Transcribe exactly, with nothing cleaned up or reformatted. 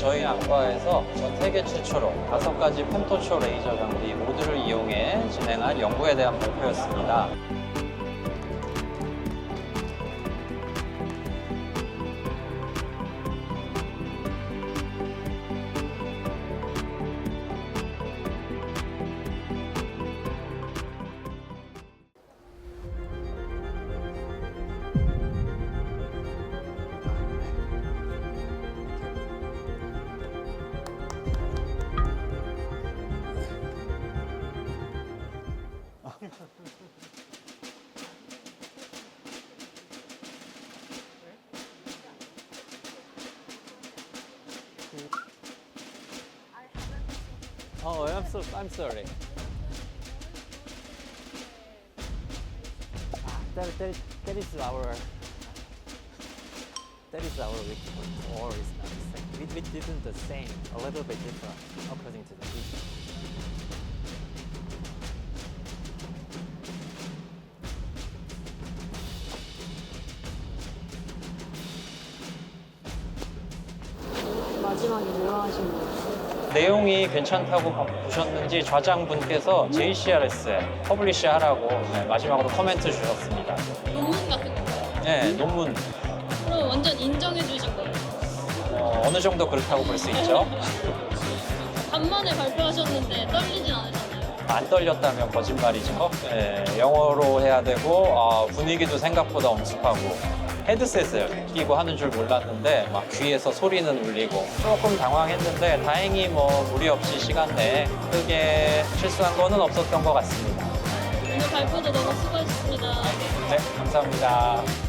저희 안과에서 전 세계 최초로 다섯 가지 펜토초 레이저 장비 모두를 이용해 진행한 연구에 대한 발표였습니다. Oh, I'm so I'm sorry. That, that, that is our that is our report, or is not the same. We, we didn't the same, a little bit different according to the teacher. 마지막에 뭐라 하신 거예요? 내용이 괜찮다고 보셨는지 좌장분께서 제이씨알에스에 퍼블리시 하라고 네, 마지막으로 코멘트 주셨습니다. 논문 같은 건가요? 네, 논문 그럼 완전 인정해 주신 거예요? 어, 어느 정도 그렇다고 볼 수 있죠. 간만에 발표하셨는데 떨리진 않으셨나요? 안 떨렸다면 거짓말이죠. 네, 영어로 해야 되고 아, 분위기도 생각보다 엄숙하고 헤드셋을 끼고 하는 줄 몰랐는데 막 귀에서 소리는 울리고 조금 당황했는데 다행히 뭐 무리 없이 시간 내에 크게 실수한 거는 없었던 것 같습니다. 오늘 발표도 너무 수고하셨습니다. 네, 감사합니다.